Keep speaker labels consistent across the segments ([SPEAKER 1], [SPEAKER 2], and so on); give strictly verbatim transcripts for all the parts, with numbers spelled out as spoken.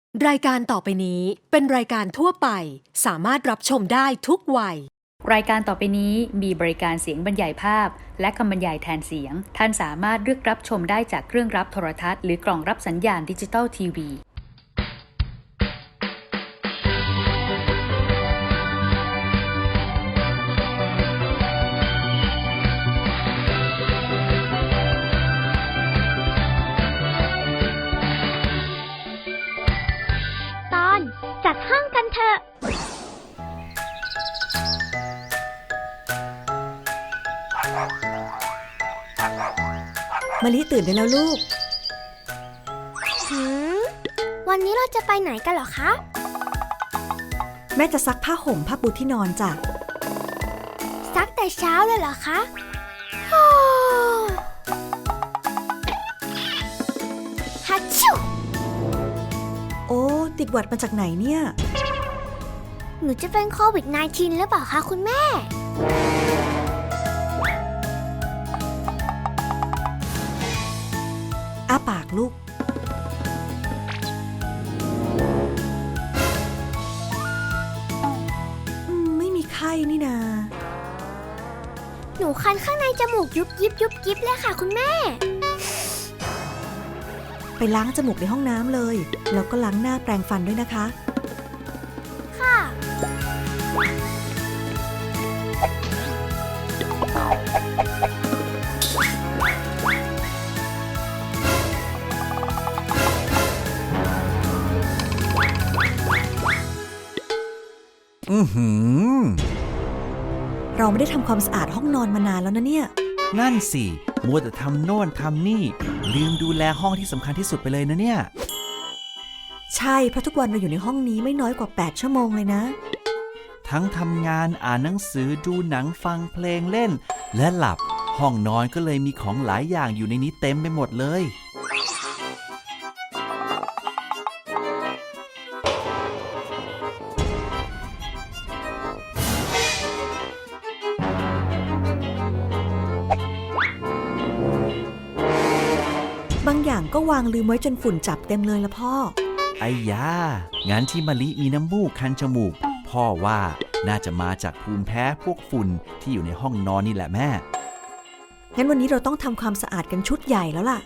[SPEAKER 1] รายการต่อไปนี้เป็นรายการทั่วไปสามารถรับชมได้ทุกวัย
[SPEAKER 2] รายการต่อไปนี้มีบริการเสียงบรรยายภาพและคำบรรยายแทนเสียงท่านสามารถเลือกรับชมได้จากเครื่องรับโทรทัศน์หรือกล่องรับสัญญาณดิจิตอลทีวี
[SPEAKER 3] ตอนจัดห้องกันเถอะ
[SPEAKER 4] มะลิตื่นได้แล้วลูก
[SPEAKER 3] หืมวันนี้เราจะไปไหนกันเหรอคะ
[SPEAKER 4] แม่จะซักผ้าห่มผ้าปูที่นอนจ้ะ
[SPEAKER 3] ซักแต่เช้าเลยเหรอคะโอ้ฮัชชู
[SPEAKER 4] โอ้ติดหวัดมาจากไหนเนี่ย
[SPEAKER 3] หนูจะเป็นโควิด สิบเก้า หรือเปล่าคะคุณแม่
[SPEAKER 4] อ้าปากลูกไม่มีไข้นี่นา
[SPEAKER 3] หนูคันข้างในจมูกยุบยิบยุบยิบเลยค่ะคุณแม่
[SPEAKER 4] ไปล้างจมูกในห้องน้ำเลยแล้วก็ล้างหน้าแปรงฟันด้วยนะคะ
[SPEAKER 3] ค่ะ
[SPEAKER 5] อือหือ
[SPEAKER 4] เราไม่ได้ทำความสะอาดห้องนอนมานานแล้วนะเนี่ย
[SPEAKER 5] นั่นสิมัวแต่ทำโน่นทำนี่ลืมดูแลห้องที่สำคัญที่สุดไปเลยนะเนี่ย
[SPEAKER 4] ใช่เพราะทุกวันเราอยู่ในห้องนี้ไม่น้อยกว่าแปดชั่วโมงเลยนะ
[SPEAKER 5] ทั้งทำงานอ่านหนังสือดูหนังฟังเพลงเล่นและหลับห้องนอนก็เลยมีของหลายอย่างอยู่ในนี้เต็มไปหมดเลย
[SPEAKER 4] บางอย่างก็วางลืมไว้จนฝุ่นจับเต็มเลยละพ่อ
[SPEAKER 5] ไอ้ยางั้นที่มะลิมีน้ำมูกคันจมูกพ่อว่าน่าจะมาจากภูมิแพ้พวกฝุ่นที่อยู่ในห้องนอนนี่แหละแม่
[SPEAKER 4] งั้นวันนี้เราต้องทำความสะอาดกันชุดใหญ่แล้วล่ะ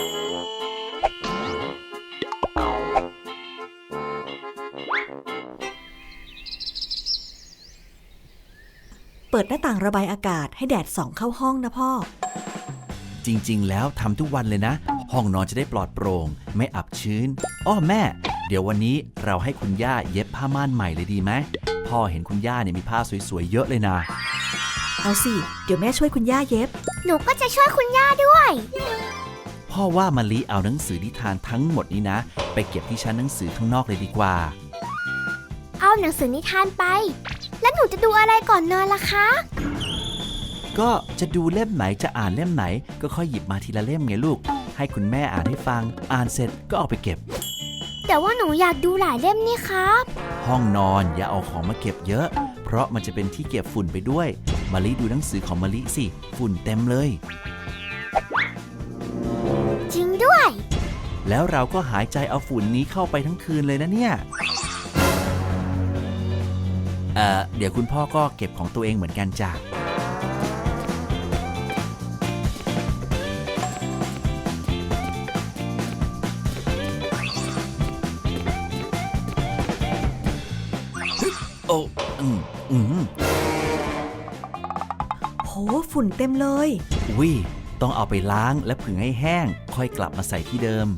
[SPEAKER 4] เปิดหน้าต่างระบายอากาศให้แดดส่องเข้าห้องนะพ่อ
[SPEAKER 5] จริงๆแล้วทำทุกวันเลยนะห้องนอนจะได้ปลอดโปร่งไม่อับชื้นอ้อแม่เดี๋ยววันนี้เราให้คุณย่าเย็บผ้าม่านใหม่เลยดีไหมพ่อเห็นคุณย่าเนี่ยมีผ้าสวยๆเยอะเลยนะ
[SPEAKER 4] เอาสิเดี๋ยวแม่ช่วยคุณย่าเย็บ
[SPEAKER 3] หนูก็จะช่วยคุณย่าด้วย
[SPEAKER 5] พ่อว่ามะลิเอาหนังสือนิทานทั้งหมดนี้นะไปเก็บที่ชั้นหนังสือข้างนอกเลยดีกว่า
[SPEAKER 3] เอาหนังสือนิทานไปแล้วหนูจะดูอะไรก่อนนอนล่ะคะ
[SPEAKER 5] ก็จะดูเล่มไหนจะอ่านเล่มไหนก็ค่อยหยิบมาทีละเล่มไงลูกให้คุณแม่อ่านให้ฟังอ่านเสร็จก็เอาไปเก็บ
[SPEAKER 3] แต่ว่าหนูอยากดูหลายเล่มนี่ครับ
[SPEAKER 5] ห้องนอนอย่าเอาของมาเก็บเยอะเพราะมันจะเป็นที่เก็บฝุ่นไปด้วยมะลิดูหนังสือของมะลิสิฝุ่นเต็มเลย
[SPEAKER 3] จริงด้วย
[SPEAKER 5] แล้วเราก็หายใจเอาฝุ่นนี้เข้าไปทั้งคืนเลยนะเนี่ยเอ่อเดี๋ยวคุณพ่อก็เก็บของตัวเองเหมือนกันจ้ะโอ้อืมอืม
[SPEAKER 4] โหฝุ่นเต็มเลย
[SPEAKER 5] อุ้ยต้องเอาไปล้างและผึ่งให้แห้งค่อยกลับมาใส่ที่เดิม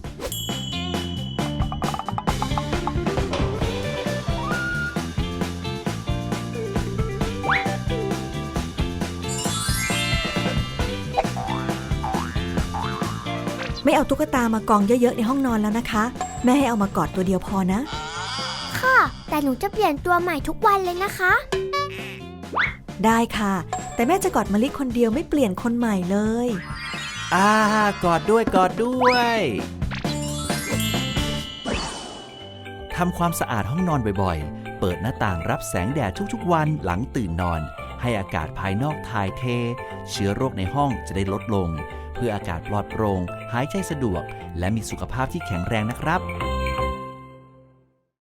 [SPEAKER 4] ไม่เอาตุ๊กตามากองเยอะๆในห้องนอนแล้วนะคะแม่ให้เอามากอดตัวเดียวพอนะ
[SPEAKER 3] ค่ะแต่หนูจะเปลี่ยนตัวใหม่ทุกวันเลยนะคะ
[SPEAKER 4] ได้ค่ะแต่แม่จะกอดมะลิคนเดียวไม่เปลี่ยนคนใหม่เลย
[SPEAKER 5] อ่ากอดด้วยกอดด้วยทำความสะอาดห้องนอนบ่อยๆเปิดหน้าต่างรับแสงแดดทุกๆวันหลังตื่นนอนให้อากาศภายนอกถ่ายเทเชื้อโรคในห้องจะได้ลดลงเพื่ออากาศปลอดโปร่งหายใจสะดวกและมีสุขภาพที่แข็งแรงนะครับ